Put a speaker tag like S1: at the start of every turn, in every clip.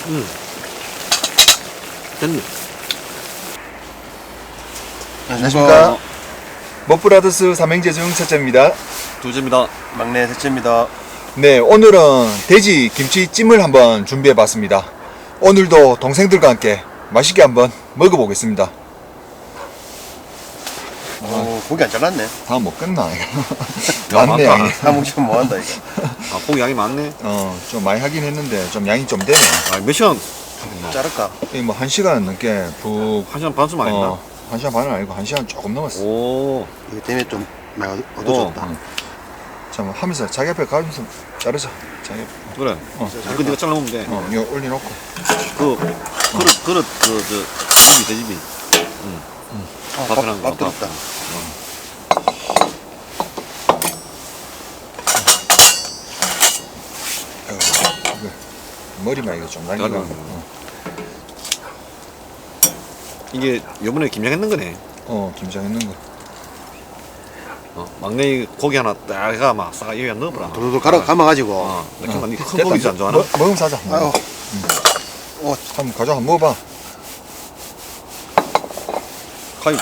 S1: 됐네.
S2: 안녕하십니까. 먹브라더스 삼행제 중 첫째입니다.
S1: 두째입니다.
S3: 막내 셋째입니다.
S2: 네, 오늘은 돼지 김치찜을 한번 준비해봤습니다. 오늘도 동생들과 함께 맛있게 한번 먹어보겠습니다.
S3: 오, 고기 안 잘랐네.
S2: 다 먹겠나?
S1: 야,
S2: 많네,
S1: 많다.
S2: 양이.
S3: 다 먹으면 뭐한다 이거.
S1: 아, 고기 양이 많네.
S2: 좀 많이 하긴 했는데 좀 양이 좀 되네.
S1: 아, 몇 시간?
S3: 자를까?
S2: 뭐 1시간 넘게 푹,
S1: 1시간 반쯤 안 했나?
S2: 1시간 반은 아니고 1시간 조금 넘었어.
S1: 오.
S3: 이거 때문에 좀 많이 어두워졌다.
S2: 참 하면서 자기 앞에 가면서 자르자. 자기 앞에.
S1: 그래. 그 네가 잘라먹으면 돼.
S2: 이거 올려놓고.
S1: 그릇, 돼지비. 밥이랑
S3: 밥 들었다.
S2: 머리만 이거 좀 남기고.
S1: 잘라. 이게 요번에 김장했는 거네.
S2: 김장했는 거.
S1: 막내 고기 하나 딱 해가 막 싸가 여기다 넣어보라.
S3: 돌돌 감아가지고.
S1: 큰 고기 안 좋아하나?
S2: 먹으면 사자.
S3: 아유.
S2: 한번 가져 한번 먹어봐.
S1: 가위.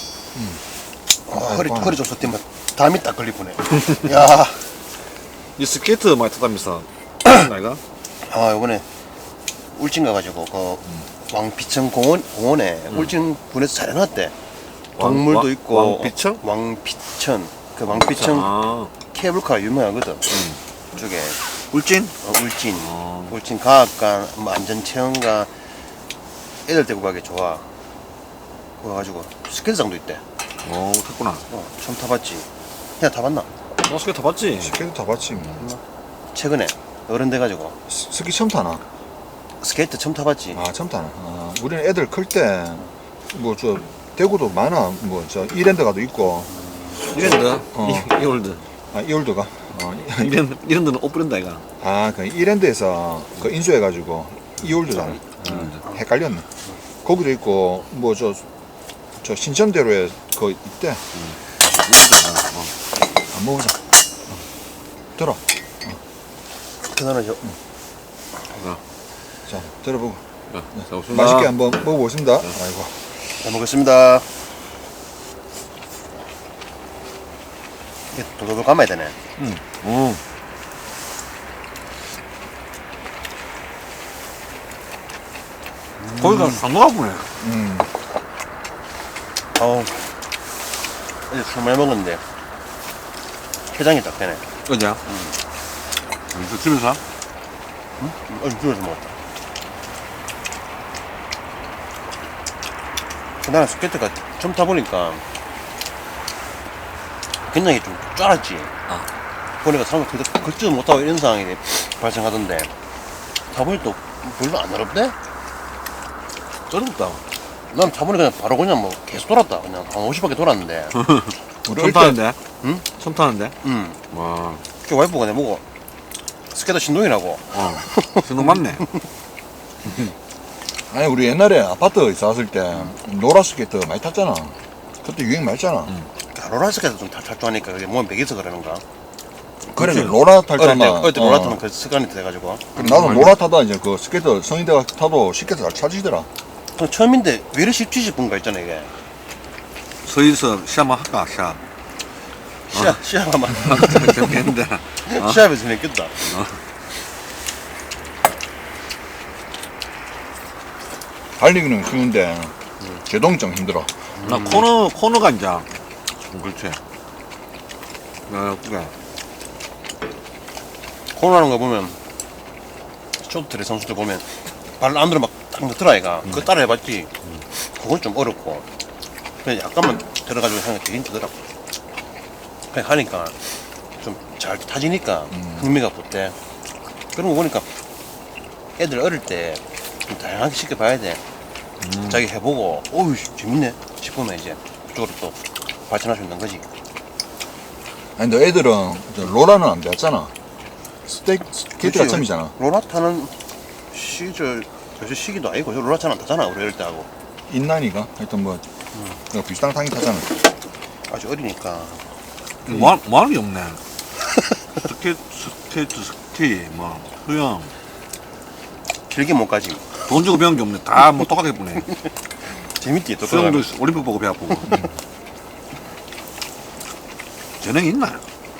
S3: 허리 좀 쏟으면 담이 딱 걸리보네. 야.
S1: 이 스케이트 많이 타다면서. 나이가?
S3: 요번에 울진 가가지고 그 왕비천 공원에 울진 군에서 잘 해놨대. 동물도 있고.
S1: 왕비천?
S3: 왕비천. 그 왕비천
S1: 아.
S3: 케이블카 유명하거든. 쪽에.
S1: 울진?
S3: 울진. 울진 과학관, 뭐 안전체험관 애들 데리고 가기 좋아. 그래가지고 스케이트장도 있대.
S1: 오, 탔구나.
S3: 처음 타봤지. 야 타봤나?
S1: 스케이트 타봤지?
S2: 스케이트 타봤지. 뭐.
S3: 최근에 어른 돼가지고
S2: 스키 처음 타나?
S3: 스케이트 처음 타봤지.
S2: 처음 타나. 우리는 애들 클 때 뭐 저 대구도 많아. 뭐 저 이랜드가도 있고.
S1: 이랜드? 이월드.
S2: 이올드가.
S1: 이랜드는 오프랜드 아이가?
S2: 그 이랜드에서 그 인수해가지고 이올드잖아. 헷갈렸네. 거기도 있고 뭐 저 신천대로에 그 있대. 안 먹어보자. 들어.
S3: 그나마
S2: 자, 들어보고.
S1: 자, 없습니다.
S2: 맛있게 한번 먹어보겠습니다. 아이고.
S3: 잘 먹겠습니다. 이게 도도도 감아야 되네.
S1: 거기가 상도가 보네.
S3: 어우, 어제 술 많이 먹었는데 해장이 딱 되네.
S1: 어디야? 저 집에서?
S3: 어제 집에서 먹었다. 나는 스케이트가 처음 타보니까 굉장히 좀 쫄았지. 보니까 사람들 걷지도 못하고 이런 상황이 발생하던데 타보니 또 별로 안 어렵대?
S1: 쩔었다.
S3: 난 타보니 바로 그냥 뭐 계속 돌았다. 그냥 한 50바퀴 돌았는데.
S1: 처음 타는데?
S3: 응?
S1: 처음 타는데?
S3: 와. 그 와이프가 내보고 스케이트 신동이라고.
S1: 신동 맞네.
S2: 아니 우리 옛날에 아파트 이사 왔을 때 노라 스케이트 많이 탔잖아. 그때 유행 많이 했잖아.
S3: 롤러 스케이트 좀 탈 줄 아니까 그게 몸에 배겨서 그러는가?
S2: 그래
S1: 그치.
S2: 로라 탈잖아.
S3: 어릴 때 롤러 타면 그 습관이 돼가지고.
S2: 나도 로라 타다 이제 그 스케이트 성인대가 타도 쉽게 잘 찾으시더라.
S3: 그럼 처음인데 왜 이렇게 쉽지 싶은 거 있잖아 이게.
S1: 서희서 시합만 할까, 시합.
S3: 시합하면
S1: 재밌겠는데.
S3: 시합에서 재밌겠다.
S2: 달리기는 쉬운데 제동이 힘들어.
S1: 나 코너가 이제. 그렇지. 그게.
S3: 코너라는 거 보면 쇼트트랙 선수들 보면 발 안으로 막딱 넣더라 아이가. 그거 따라 해봤지. 그건 좀 어렵고 그냥 약간만 들어가지고 하는 게 되게 힘들더라고. 그냥 하니까 좀 잘 타지니까 흥미가 붙대. 그런 거 보니까 애들 어릴 때 좀 다양하게 시켜봐야 돼. 자기 해보고 어우 재밌네 싶으면 이제 그쪽으로 또 발전할 수 있는 거지.
S2: 아니 너 애들은 저 로라는 안 배웠잖아. 스케이트가 처음이잖아.
S3: 로라 타는 시절 요새 시기도 아니고 로라 차는 안 타잖아 우리 어릴 때 하고.
S2: 인난이가 하여튼 뭐 비슷한 탕이 타잖아.
S3: 아직 어리니까.
S1: 뭐 하는 게 없네. 스케이트, 스키, 뭐, 수영.
S3: 길게 못 가지.
S1: 돈 주고 배운 게 없네. 다 뭐 똑같게 보네.
S3: 재밌지 또.
S1: 수영도 올림픽 보고 배 아프고. 재능이 있나?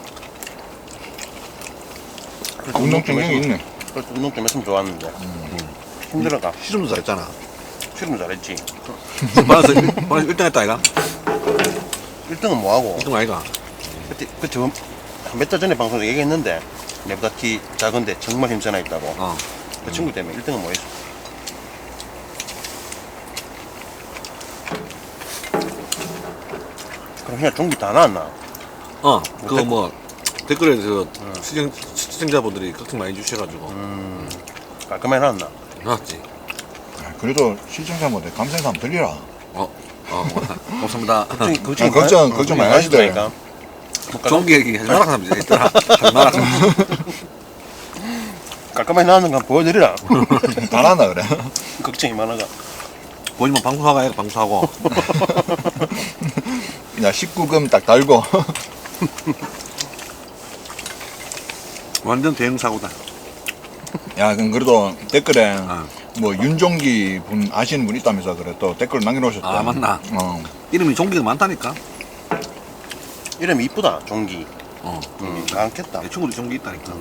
S2: 운동 경력이 있네.
S3: 그래서 운동 좀 했으면 좋았는데. 힘들어가.
S1: 시름도 잘했잖아.
S3: 실은 잘했지.
S1: 받아서 1등 했다, 아이가?
S3: 1등은 뭐하고.
S1: 1등 아이가?
S3: 그때 몇 달 전에 방송에서 얘기했는데 내보다 키 작은데 정말 힘쓰나 있다고.
S1: 어.
S3: 그 친구 때문에 1등은 뭐 했어. 그럼 그냥 종기 다 나왔나?
S1: 그거 뭐, 댓글에 시청자분들이 걱정 많이 주셔가지고.
S3: 깔끔하게 나왔나?
S1: 나왔지.
S2: 그래도 시청자분들 감사해서 한번 들리라.
S1: 감사합니다.
S2: 걱정 많이 하시더라고요.
S1: 좋은 얘기 하지 마라, 사람들이 있더라. 하지 마라.
S3: 깔끔하게 나왔는 거 보여드리라.
S2: 다 나나 그래.
S3: 걱정이 많아가.
S1: 보이면 방송하고 해가 방송하고.
S2: 그냥 19금 딱 달고.
S1: 완전 대형 사고다.
S2: 야, 그럼 그래도 댓글에
S1: 어.
S2: 뭐 윤종기 분 아시는 분 있다면서 그래 또 댓글 남겨놓으셨대.
S1: 아, 맞나?
S2: 어.
S1: 이름이 종기가 많다니까.
S3: 이름이 이쁘다, 종기. 많겠다.
S1: 내 친구도 종기 있다니까.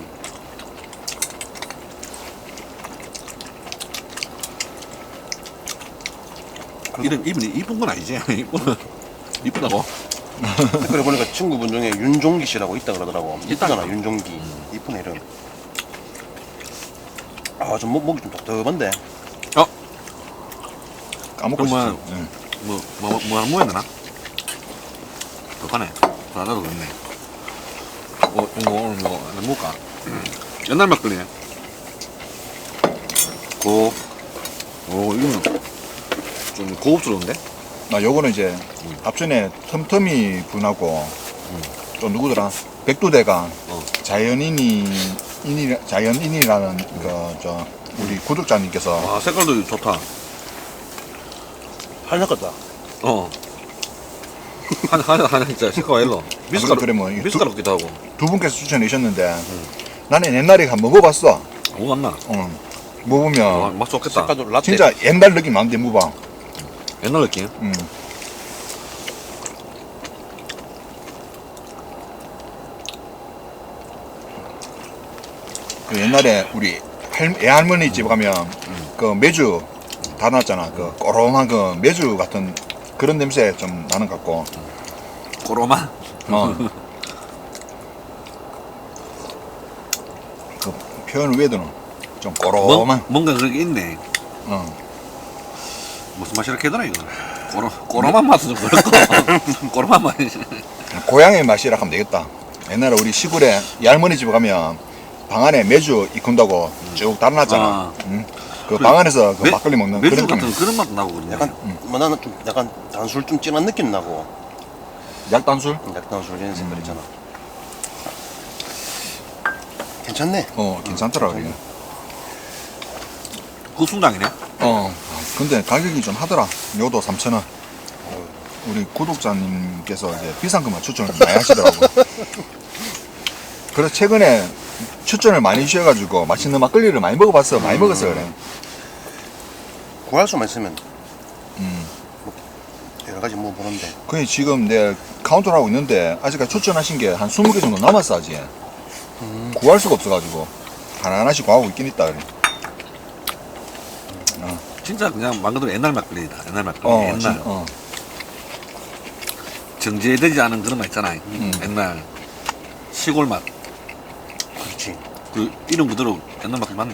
S1: 이름이 이쁜 건 아니지. 이쁘다고.
S3: 댓글에 보니까 친구분 중에 윤종기 씨라고 있다 그러더라고. 이쁘잖아,
S1: 있다니까.
S3: 윤종기. 이쁜 이름. 아, 좀 목이 좀 답답한데.
S2: 까먹고
S1: 그러면
S2: 싶지. 응.
S1: 뭐 하는 모양 되나? 그거네. 나도 그렇네. 이거 오늘 뭐 하나 먹을까? 옛날 막걸리네. 이거는 좀 고급스러운데?
S2: 나 요거는 이제 앞전에 텀텀이 분하고 또 누구더라 백두대가 자연인이라는 그 우리 구독자님께서
S1: 와, 색깔도 좋다.
S3: 한약 같다.
S1: 하나 진짜 색깔 일로. 미숫가루,
S2: 그래 뭐
S1: 미숫가루 같기도 하고.
S2: 두 분께서 추천해 주셨는데 나는 옛날에 한번 먹어봤어.
S1: 오, 맞나?
S2: 먹으면
S1: 맛 좋겠다.
S3: 색깔도 라떼.
S2: 진짜 옛날 느낌 나는데 무방.
S1: 옛날 느낌?
S2: 그 옛날에 우리 애할머니 집 가면 그 매주 다 났잖아. 그 꼬롬한 그 매주 같은 그런 냄새 좀 나는 것 같고.
S1: 꼬로마?
S2: 그 표현 외에도는 좀 꼬롬한.
S1: 뭔가 그런 게 있네.
S2: 어.
S1: 무슨 맛이라 해더라, 이거. 꼬로만 맛은 좀 그렇고. 꼬로만 맛이.
S2: 고향의 맛이라 하면 되겠다. 옛날에 우리 시골에 이 할머니 집 가면 방 안에 매주 익힌다고 쭉 달아놨잖아. 그 방 안에서 그 막걸리 먹는
S1: 매주
S2: 그런
S1: 같은
S2: 느낌.
S1: 그런 맛도 나고 그러네.
S3: 약간, 뭐 나는 좀 약간 단술 좀 진한 느낌 나고.
S2: 약단술?
S3: 약단술 이런 색깔 있잖아. 괜찮네.
S2: 괜찮더라 그게.
S1: 그거 순장이네.
S2: 근데 가격이 좀 하더라. 요도 3,000원. 우리 구독자님께서 이제 비싼 것만 추천을 많이 하시더라고. 그래서 최근에 추천을 많이 주셔가지고 맛있는 막걸리를 많이 먹어봤어. 많이 먹었어 그래.
S3: 구할 수만 있으면 뭐 여러 가지 뭐 보는데.
S2: 그게 지금 내 카운터를 하고 있는데 아직까지 추천하신 게 한 20개 정도 남았어 아직. 구할 수가 없어가지고 하나하나씩 구하고 있긴 있다 그래.
S1: 진짜 그냥 말 그대로 옛날 막걸리다. 옛날 막걸리. 옛날. 정제되지 않은 그런 맛 있잖아. 옛날 시골 맛.
S3: 그렇지.
S1: 그 이름 그대로 옛날 막걸리 맞네.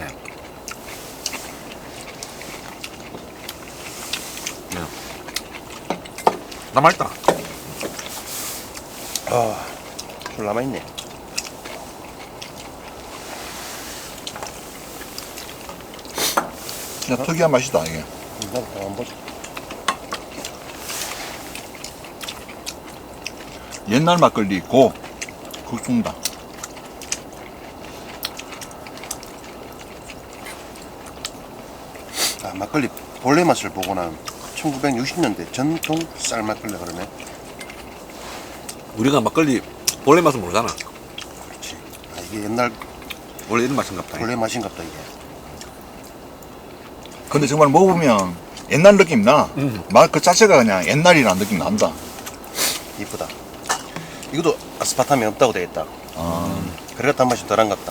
S1: 나 맛있다.
S3: 술 남아있네.
S2: 진짜 특이한 맛이다 이게.
S3: 나도 한번 보자.
S2: 옛날 막걸리 국수입니다.
S3: 막걸리 본래 맛을 보거나 1960년대 전통 쌀 막걸리 그러네.
S1: 우리가 막걸리 본래 맛은 모르잖아.
S3: 그렇지. 이게 옛날
S1: 원래 이런 맛인가 보다.
S3: 본래 맛인갑다 이게.
S2: 근데 정말 먹어보면 옛날 느낌 나. 맛 그 자체가 그냥 옛날이라는 느낌 난다.
S3: 이쁘다. 이것도 아스파탐이 없다고 되겠다.
S2: 아,
S3: 그래가 단맛이 덜한 것 같다.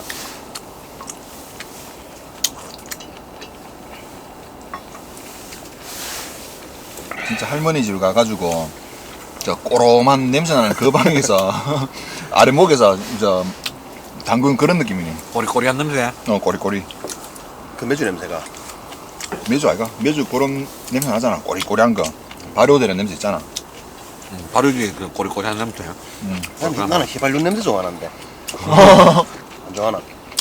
S2: 진짜 할머니 집 가가지고 저 꼬롬한 냄새 나는 그 방에서 아랫목에서 저 담근 그런 느낌이네.
S1: 꼬리꼬리한 냄새.
S2: 꼬리꼬리.
S3: 그 매주 냄새가.
S2: 매주 아이가? 매주 그런 냄새 나잖아. 꼬리꼬리한 거. 발효되는 냄새 있잖아.
S1: 발효기 그 꼬리꼬리한 냄새.
S3: 나는 휘발유 냄새 좋아하는데. 안 좋아하나?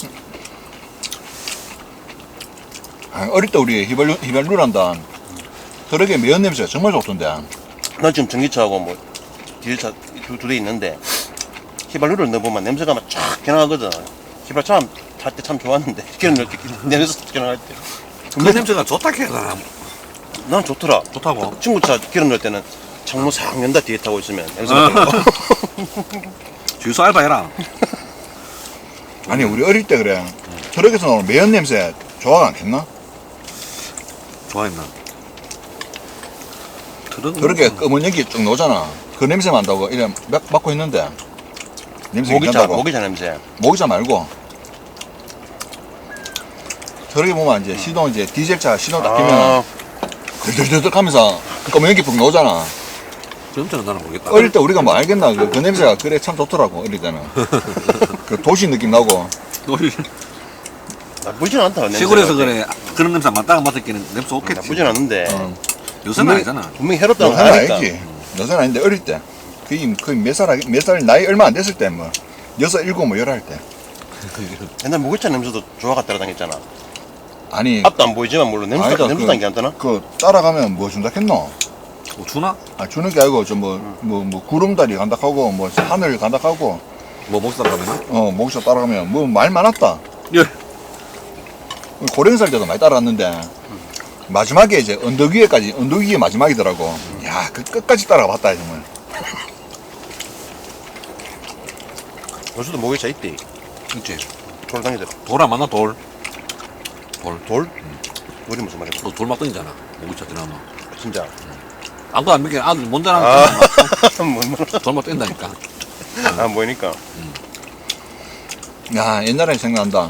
S2: 아, 어릴 때 우리 휘발유란다. 트럭에 매연 냄새가 정말 좋던데.
S3: 난 지금 전기차하고 뭐 디젤차 두 대 있는데 휘발유를 넣어보면 냄새가 막 쫙 변화하거든. 휘발차 탈 때 참 좋았는데 기름 넣을 때 냄새 변화할 때.
S1: 그 냄새가 좋다 해야 되나?
S3: 난 좋더라.
S1: 좋다고.
S3: 친구 차 기름 넣을 때는 창문 싹 연다 뒤에 타고 있으면 냄새가 나고.
S1: 주유소 알바해라.
S2: 아니 우리 어릴 때 그래. 트럭에서 나오는 매연 냄새 좋아가 않겠나?
S1: 좋아했나?
S2: 트럭에 검은 연기 쭉 나오잖아. 그 냄새 난다고 이래 맡고 있는데 냄새 괜찮다고.
S3: 모기차 냄새.
S2: 모기자 말고 트럭에 보면 이제 시동 이제 디젤차 시동 딱 끼면 들들들들 하면서 검은 연기 푹 나오잖아.
S1: 그 냄새는 나는 모르겠다.
S2: 어릴 때 우리가 뭐 알겠나? 그 냄새가 그래 참 좋더라고 어릴 때는. 그 도시 느낌 나고.
S3: 나쁘진 않다. 냄새가.
S1: 시골에서 그래 그런 냄새 맡다가 맡았기는 냄새 없겠지.
S3: 나쁘진 않은데.
S1: 요새는 아니잖아.
S3: 분명히 해롭다는 거
S2: 여자는
S3: 아니까.
S2: 알지. 여자는 아닌데 어릴 때. 거의 몇 살 나이 얼마 안 됐을 때 뭐. 6, 7, 뭐 11할 때.
S3: 옛날 모기차 냄새도 좋아가 따라다녔잖아.
S2: 아니
S3: 앞도 안 보이지만 물론 냄새가
S2: 아니다,
S3: 냄새도 안 괜찮나?
S2: 그 따라가면 뭐 준다 했노?
S1: 뭐 주나?
S2: 아 주는 게 아니고 뭐 구름다리 간다 하고 뭐 하늘 간다 하고
S1: 뭐 목살 가면은?
S2: 목사 따라가면 뭐 말 많았다.
S1: 예.
S2: 고령살 때도 많이 따라갔는데 마지막에 이제 언덕 위에 마지막이더라고. 야, 그 끝까지 따라가봤다 정말.
S3: 요새도 모기차 있대.
S1: 있지.
S3: 돌다니더라.
S1: 돌 안 만나 돌.
S3: 돌? 우리 무슨 말이야?
S1: 또 돌 막 던지잖아. 모기차 지나면.
S3: 진짜.
S1: 아무도 안 믿게 아들 못 자랑. 돌막 뛴다니까.
S3: 안 보이니까.
S2: 야, 옛날에 생각난다.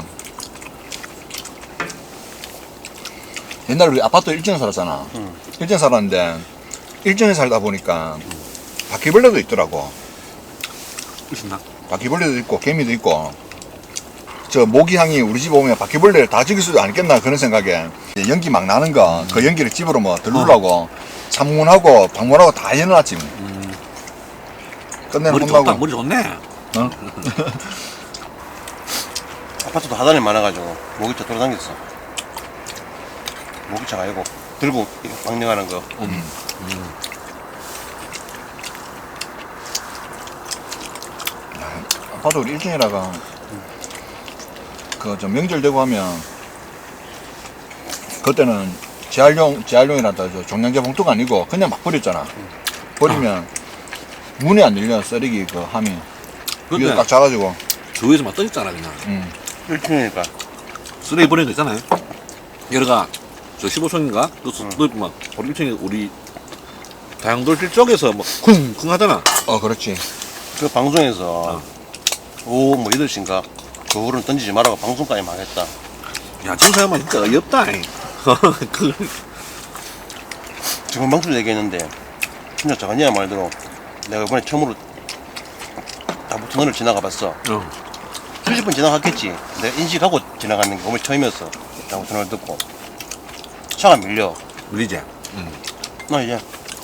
S2: 옛날에 우리 아파트 1층에 살았잖아. 1층에 살았는데 1층에 살다 보니까 바퀴벌레도 있더라고.
S1: 있었나?
S2: 바퀴벌레도 있고 개미도 있고 저 모기향이 우리 집 오면 바퀴벌레를 다 죽일 수도 않겠나 그런 생각에 연기 막 나는 거 그 연기를 집으로 뭐 들르려고 창문하고 방문하고 다 열어놨지. 끝내는
S1: 머리
S2: 혼나고.
S1: 좋다. 머리 좋네.
S2: 어?
S3: 아파트도 하단에 많아가지고 모기차 돌아다녔어. 모기차가 아니고 들고 망령하는 거.
S2: 아파트 우리 1층이라가 그 저 명절 되고 하면 그때는 재활용이란다 저 종량제 봉투가 아니고 그냥 막 버렸잖아. 버리면 문이 안 열려 쓰레기 그 함이 위에
S1: 근데
S2: 딱 자가지고.
S1: 주위에서 막 떠있잖아 그냥.
S3: 1층이니까.
S1: 쓰레기 버리는 거 있잖아요. 여러가 저 15층인가? 그막 우리 1층에 우리 다양돌길 쪽에서 막 쿵쿵 하잖아.
S2: 그렇지.
S3: 그 방송에서 오후 뭐 8시인가 그 후로는 던지지 말라고 방송까지 막 했다.
S1: 야 진짜 형만 진짜 어이없다. 그
S3: 지금 방송 얘기했는데 진짜 저거냐 말대로 내가 이번에 처음으로 다부터널을 지나가 봤어. 수십 번 지나갔겠지. 내가 인식하고 지나가는 게 오늘 처음이었어. 다부터널 듣고 차가 밀려.
S1: 밀리지.
S3: 나 이제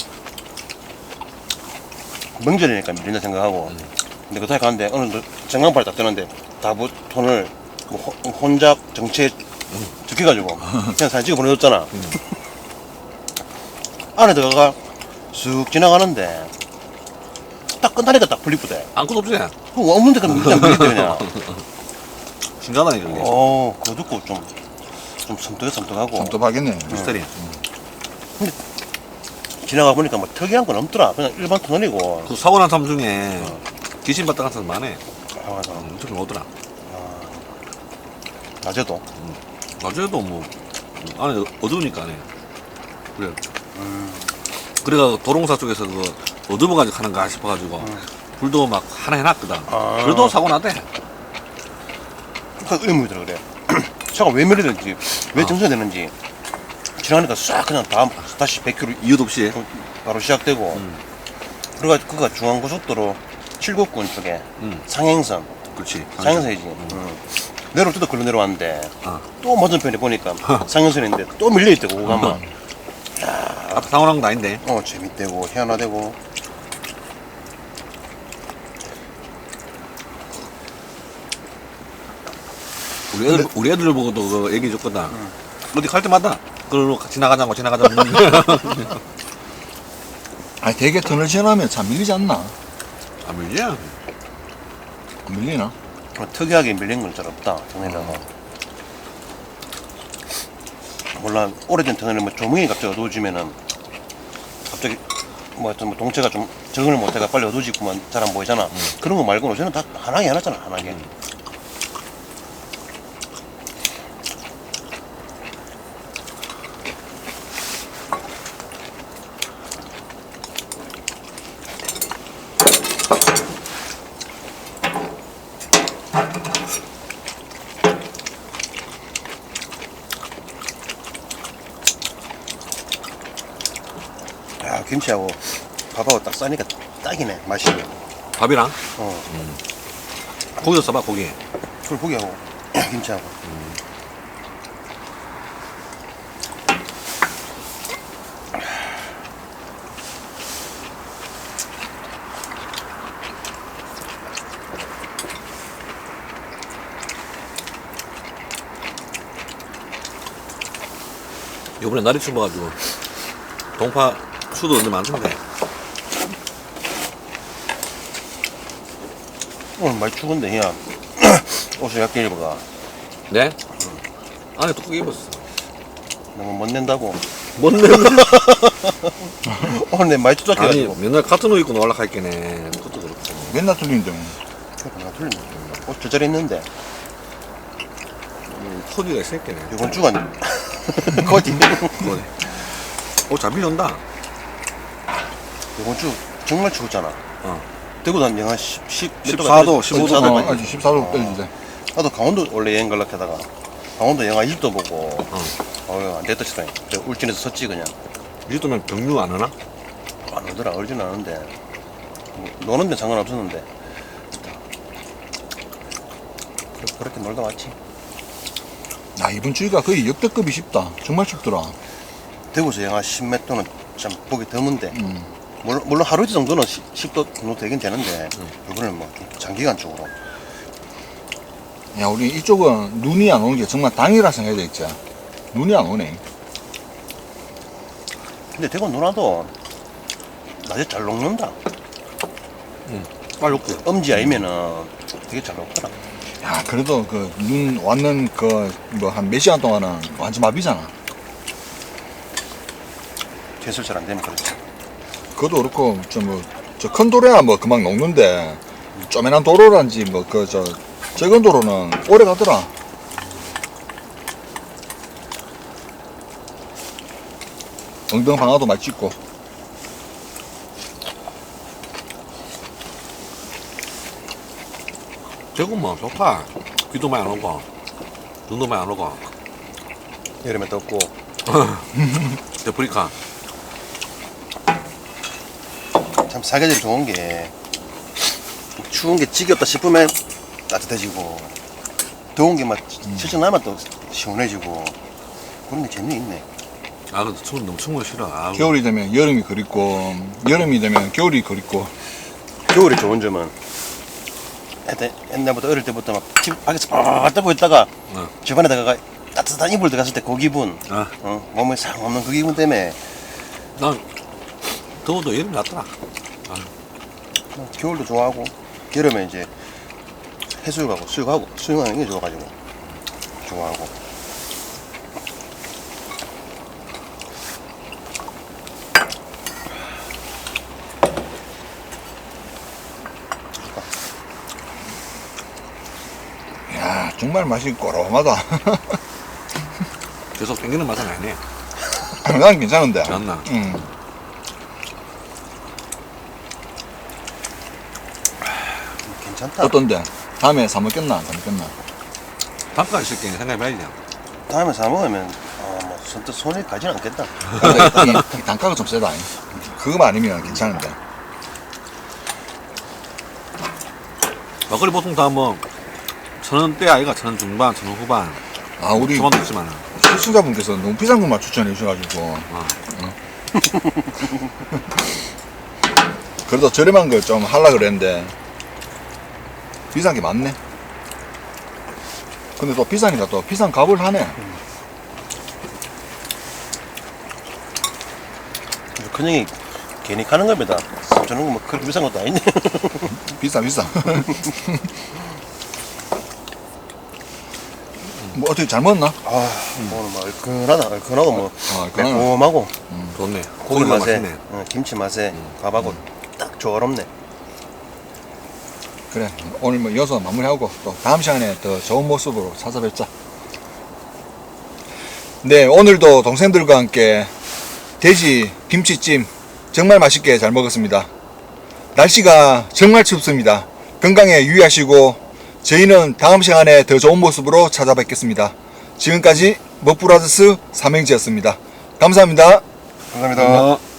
S3: 명절이니까 밀린다 생각하고 근데 그 사이 가는데 어느 전광판을 딱 뜨는데 다부터널 뭐 혼잡 정체 적혀가지고 그냥 사진 찍어 보내줬잖아. 안에 들어가 쑥 지나가는데 딱 끝나니까 딱 분리부대.
S1: 아무것도 없지.
S3: 그거 없는데 그냥 밀리대 그냥.
S1: 신기하다니까 그게.
S3: 그거 듣고 좀 섬뜩하고
S2: 섬뜩하겠네.
S1: 미스터리.
S3: 지나가 보니까 뭐 특이한 건 없더라. 그냥 일반 터널이고.
S1: 그 사고 난 사람 중에 귀신 봤다 같은 사람 많네.
S3: 아, 맞아.
S1: 엄청 오더라.
S3: 낮에도.
S1: 어제도 뭐 안에 어두우니까 안에. 그래. 그래가 도롱사 쪽에서 그 어두워가지고 하는가 싶어가지고 불도 막 하나 해놨거든.
S3: 아.
S1: 그래도 사고 나대.
S3: 그러니까 의문이 들어 그래. 차가 왜 밀리는지, 왜 정선이 되는지 지나가니까 싹 그냥 다시 100km
S1: 이유도 없이.
S3: 바로 시작되고. 그래가지고 그가 중앙고속도로 칠곡군 쪽에 상행선,
S1: 그렇지.
S3: 상행선이지. 내려올 때도 걸로 내려왔는데
S1: 아.
S3: 또 맞은편에 보니까 상행선인데 또 밀려있다고 오가마.
S1: 앞에 상호랑 거 아닌데.
S3: 재밌대고 희한하대고.
S1: 우리 애들 보고도 그 얘기 줬거든. 어디 갈 때마다 그걸로 지나가자고 지나가자고.
S2: 아니 되게 터널 지나면 참 밀리지 않나?
S1: 안 밀지?
S2: 안 밀리나?
S3: 특이하게 밀린 건 잘 없다 터널이라서. 몰라 오래된 터널에 뭐 조명이 갑자기 어두워지면은 갑자기 뭐 하여튼 뭐 동체가 좀 적응을 못해가 빨리 어두워지고만 잘 안 보이잖아. 그런 거 말고는 저는 다 환하게 해놨잖아 환하게. 야 김치하고 밥하고 딱 싸니까 딱이네 맛이.
S1: 밥이랑
S3: 어.
S1: 고기도 써봐 고기.
S3: 불고기하고 김치하고.
S1: 요번에 날이 추워가지고 동파 수도 언제 많던데.
S3: 오늘 많이 추운데 야 옷을 얇게 입어가.
S1: 네? 안에 두껍게 입었어.
S3: 너무 못 낸다고.
S1: 뭔 내는
S3: 오늘 내 많이
S1: 아니
S3: 추적해가지고.
S1: 맨날 같은 옷 입고 올라가 있겠네. 그것도 그렇고.
S2: 맨날 틀리는데 뭐.
S3: 나 틀리네. 옷 제자리 있는데
S1: 코디가 있었겠네.
S3: 이번 주간 거디.
S1: 잘 밀려온다.
S3: 이번 주 정말 추웠잖아.
S1: 어.
S3: 대구도 한 영하 10,
S1: 14도, 15도.
S2: 아직 14도 떨리지.
S3: 나도 강원도 원래 여행 가려고 하다가 강원도 영하 1도 보고 안 됐다 싶다. 울진에서 섰지 그냥.
S1: 이 정도면 경유 안 하나?
S3: 안 오더라. 얼진 않은데 뭐, 노는 데는 상관없었는데 그렇게 놀다 왔지.
S2: 야 이번 주기가 거의 역대급이 쉽다. 정말 춥더라.
S3: 대구에서 영하 10몇 도는 참 보기 드문데 물론 하루 이틀 정도는 10도 정도 되긴 되는데 이번에는 뭐 좀 장기간적으로.
S2: 야 우리 이쪽은 눈이 안 오는 게 정말 당이라 생각해야 되겠지. 눈이 안 오네.
S3: 근데 대구 누나도 낮에 잘 녹는다.
S1: 빨리 올게.
S3: 엄지 아니면은 되게 잘 녹더라.
S2: 야 그래도 그 눈 왔는 그 뭐 한 몇 시간 동안은 완전 마비잖아.
S3: 제설 잘 안 되면 그렇지.
S2: 그것도 그렇고 저 큰 도로야 뭐 금방 녹는데 쪼매난 도로란지 뭐 그 저 적은 도로는 오래 가더라. 엉덩 방아도 많이 찍고.
S1: 대구 뭐 좋다. 비도 많이 안 오고 눈도 많이 안 오고.
S3: 여름에 덥고.
S1: 데프리카.
S3: 참 사계절이 좋은 게 추운 게 지겹다 싶으면 따뜻해지고 더운 게 막 실증 나면 또 시원해지고 그런 게 재미있네.
S1: 아 근데 너무 추운 거 싫어. 아,
S2: 겨울이 되면 여름이 그립고 여름이 되면 겨울이 그립고.
S3: 겨울이 좋은 점은 옛날부터 어릴 때부터 막 집 밖에서 빡 떠고 있다가 집 안에다가 따뜻한 이불 들어갔을 때 그 기분,
S1: 아,
S3: 몸에 상 없는 그 기분 때문에
S1: 난 더워도 여름이 낫더라.
S3: 겨울도 좋아하고 여름에 이제 해수욕하고 수영하는 게 좋아가지고 좋아하고.
S2: 야 정말 맛이 꼬롬하다.
S1: 계속 땡기는 맛은 아니네.
S2: 난 괜찮은데.
S1: 맞나?
S3: 괜찮다.
S2: 어떤데? 다음에 사 먹겠나? 안 사 먹겠나?
S1: 단가 있을 게 생각해봐야지.
S3: 다음에 사 먹으면 뭐 선뜻 손이 가진 않겠다.
S2: 근데 이 단가가 좀 세다. 그거만 아니면 괜찮은데.
S1: 막걸리 보통 다 뭐 1,000원대 아이가 1,000원 중반, 1,000원 후반.
S2: 아, 우리
S1: 초반도 있지만.
S2: 시청자분께서 너무 비싼 것만 추천해 주셔가지고. 그래도 저렴한 걸 좀 하려고 그랬는데 비싼 게 많네. 근데 또 비싸니까 또 비싼 값을 하네.
S3: 큰형이 괜히 가는 겁니다. 저는 뭐 그렇게 비싼 것도 아닌데.
S2: 비싸. 뭐 어떻게 잘 먹었나?
S3: 오늘 뭐 얼큰하고 뭐
S2: 얼큰하네.
S3: 매콤하고
S1: 좋네.
S3: 고기
S1: 고기가
S3: 맛에
S1: 맛있네.
S3: 김치 맛에 밥하고 딱 조화롭네.
S2: 그래, 오늘 뭐 이어서 마무리하고 또 다음 시간에 더 좋은 모습으로 찾아뵙자. 네, 오늘도 동생들과 함께 돼지 김치찜 정말 맛있게 잘 먹었습니다. 날씨가 정말 춥습니다. 건강에 유의하시고 저희는 다음 시간에 더 좋은 모습으로 찾아뵙겠습니다. 지금까지 먹브라더스 삼행지였습니다. 감사합니다.
S3: 감사합니다.